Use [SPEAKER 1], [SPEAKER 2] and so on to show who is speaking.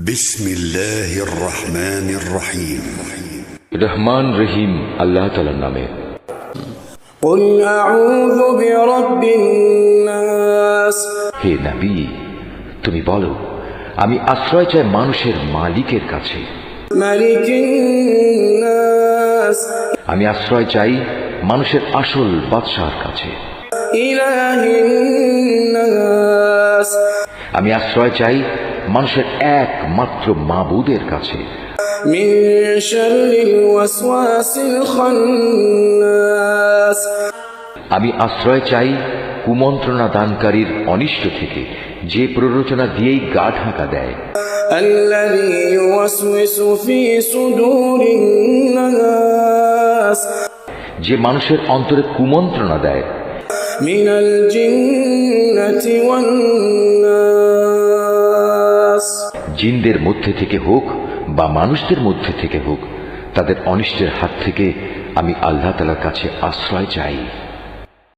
[SPEAKER 1] বিসমিল্লাহির রহমানির রহিম।
[SPEAKER 2] রহমান রহিম আল্লাহ তাআলার নামে।
[SPEAKER 3] কুল আউযু বিরাব্বিন নাস,
[SPEAKER 2] হে নবী, তুমি বলো, আমি আশ্রয় চাই মানুষের মালিকের কাছে।
[SPEAKER 3] মালিকিন নাস,
[SPEAKER 2] আমি আশ্রয় চাই মানুষের আসল বাদশাহর কাছে।
[SPEAKER 3] ইলাহিন নাস,
[SPEAKER 2] আমি আশ্রয় চাই মানুষের একমাত্র মাবুদের কাছে।
[SPEAKER 3] মিন শাররিল ওয়াসওয়াসিল খান্নাস,
[SPEAKER 2] আমি আশ্রয় চাই কুমন্ত্রণা দানকারীর অনিষ্ট থেকে, যে প্ররোচনা দিয়েই গা ঢাকা দেয়।
[SPEAKER 3] আল্লাযী ইউওয়াসওয়িসু ফি সুদুরিন নাস,
[SPEAKER 2] যে মানুষের অন্তরে কুমন্ত্রণা দেয়।
[SPEAKER 3] মিনাল জিন্নাতি ওয়ান নাস,
[SPEAKER 2] জিনদের মধ্যে থেকে হোক বা মানুষদের মধ্যে থেকে হোক, তাদের অনিষ্টের হাত থেকে আমি আল্লাহ তাআলার কাছে আশ্রয় চাই।